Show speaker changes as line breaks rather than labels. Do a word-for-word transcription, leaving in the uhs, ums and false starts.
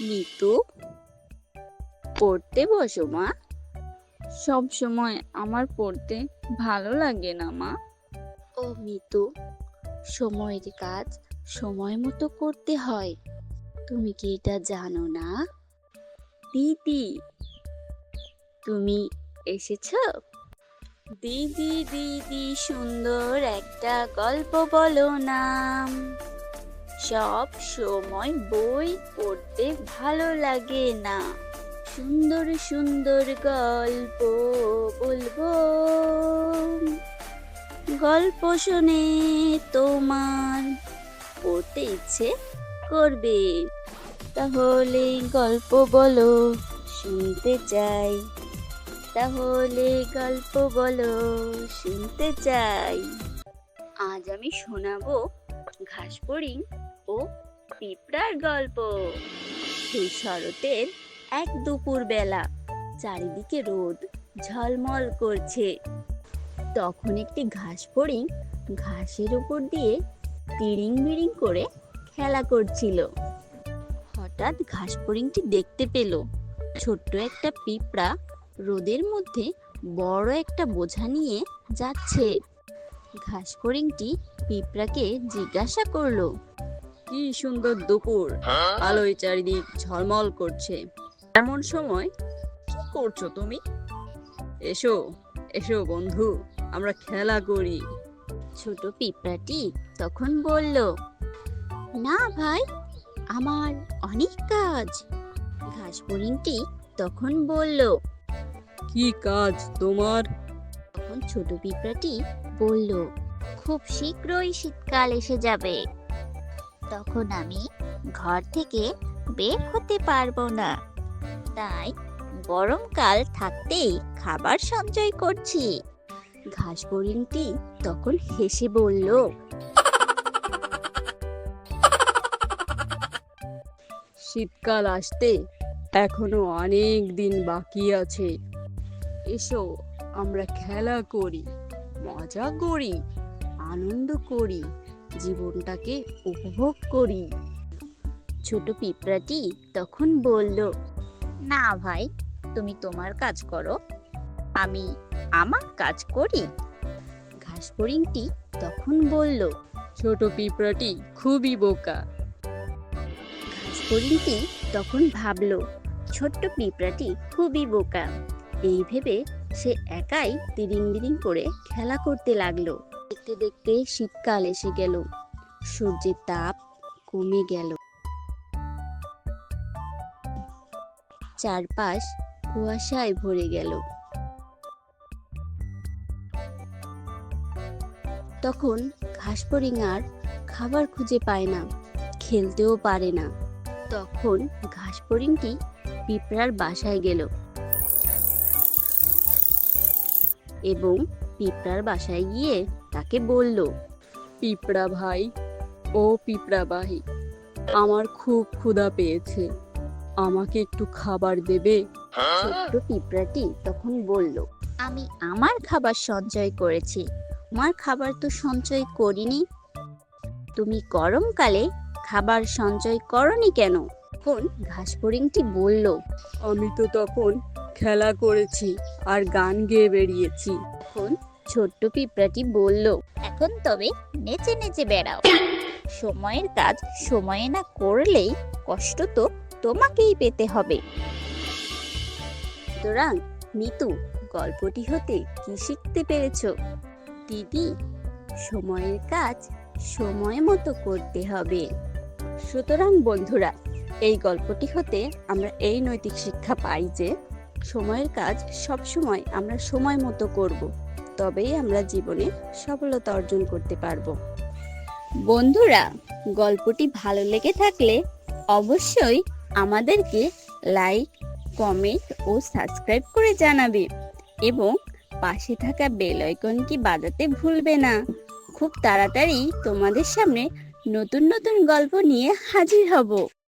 নিতু, পড়তে বসো মা। সব সময় আমার পড়তে ভালো লাগে না মা। ও মিতু, সময়ের কাজ সময় মতো করতে হয়। তুমি কি এটা জানো না? দিদি, তুমি এসেছো? দিদি দিদি সুন্দর একটা গল্প বলো নাম। সব সময় বই পড়তে ভালো লাগে না। সুন্দর সুন্দর গল্প বলবো। গল্প শুনে তোমার পড়তে ইচ্ছে করবে। তাহলে গল্প বলো, শুনতে চাই। তাহলে গল্প বলো, শুনতে চাই। আজ আমি শোনাবো ঘাসফড়িং ও পিঁপড়ার গল্প। সেই শরতের এক দুপুর বেলা, চারিদিকে রোদ ঝলমল করছে। তখন একটি ঘাসফড়িং ঘাসের উপর দিয়ে তিড়িং বিড়িং করে খেলা করছিল। হঠাৎ ঘাসফড়িংটি দেখতে পেল ছোট্ট একটা পিঁপড়া রোদের মধ্যে বড় একটা বোঝা নিয়ে যাচ্ছে। ঘাসফড়িংটি পিঁপড়াকে জিজ্ঞাসা করলো, কি সুন্দর দুপুর, আলোয় চারিদিক ঝলমল করছে, এমন সময় কি করছো তুমি? এসো এসো বন্ধু, আমরা খেলা করি। ছোট পিঁপড়াটি তখন বলল, না ভাই, আমার অনেক কাজ। ঘাসফড়িংটি তখন বলল, কি কাজ তোমার? তখন ছোট পিঁপড়াটি বলল, খুব শীঘ্রই শীতকাল এসে যাবে, তখন আমি ঘর থেকে বের হতে পারবো না। তাই গরমকাল থাকতেই খাবার সঞ্চয় করছি। ঘাসফড়িংটি তখন হেসে বলল, শীতকাল আসতে এখনো অনেক দিন বাকি আছে। এসো আমরা খেলা করি, মজা করি, আনন্দ করি, জীবনটাকে উপভোগ করি। ছোট পিঁপড়াটি তখন বলল, না ভাই, তুমি তোমার কাজ করো, আমি আমার কাজ করি। ঘাসফড়িংটি তখন বলল, ছোট পিঁপড়াটি খুবই বোকা। ঘাসফড়িংটি তখন ভাবলো ছোট্ট পিঁপড়াটি খুবই বোকা। এই ভেবে সে একাই তিরিং বিরিং করে খেলা করতে লাগলো। দেখতে দেখতে শীতকাল এসে গেল। সূর্যের তাপ কমে গেল। চারপাশ কুয়াশায় ভরে গেল। তখন ঘাসফড়িং আর খাবার খুঁজে পায় না, খেলতেও পারে না। তখন ঘাসফড়িংটি পিঁপড়ার বাসায় গেল এবং পিঁপড়ার বাসায় গিয়ে তাকে বলল, পিঁপড়া ভাই ও পিঁপড়া ভাই, আমার খুব ক্ষুধা পেয়েছে, আমাকে একটু খাবার দেবে? ছোট্ট পিঁপড়াটি তখন বলল, আমি আমার খাবার সঞ্চয় করেছি, আমার খাবার তো সঞ্চয় করিনি। তুমি গরমকালে খাবার সঞ্চয় করনি কেন? তখন ঘাসফড়িংটি বলল, আমি তো তখন খেলা করেছি আর গান গেয়ে বেরিয়েছি। তখন ছোট্ট পিঁপড়াটি বলল, এখন তবে নেচে নেচে বেড়াও। সময়ের কাজ সময়ে না করলেই কষ্ট তো তোমাকেই পেতে হবে। সুতরাং মিতু, গল্পটি হতে কি শিখতে পেরেছো? দিদি, সময়ের কাজ সময় মতো করতে হবে। সুতরাং বন্ধুরা, এই গল্পটি হতে আমরা এই নৈতিক শিক্ষা পাই যে সময়ের কাজ সব সময় আমরা সময় মতো করব, তবেই আমরা জীবনে সফলতা অর্জন করতে পারব। বন্ধুরা, গল্পটি ভালো লেগে থাকলে অবশ্যই আমাদেরকে লাইক, কমেন্ট ও সাবস্ক্রাইব করে জানাবে এবং পাশে থাকা বেল আইকনটি বাজাতে ভুলবে না। খুব তাড়াতাড়ি তোমাদের সামনে নতুন নতুন গল্প নিয়ে হাজির হব।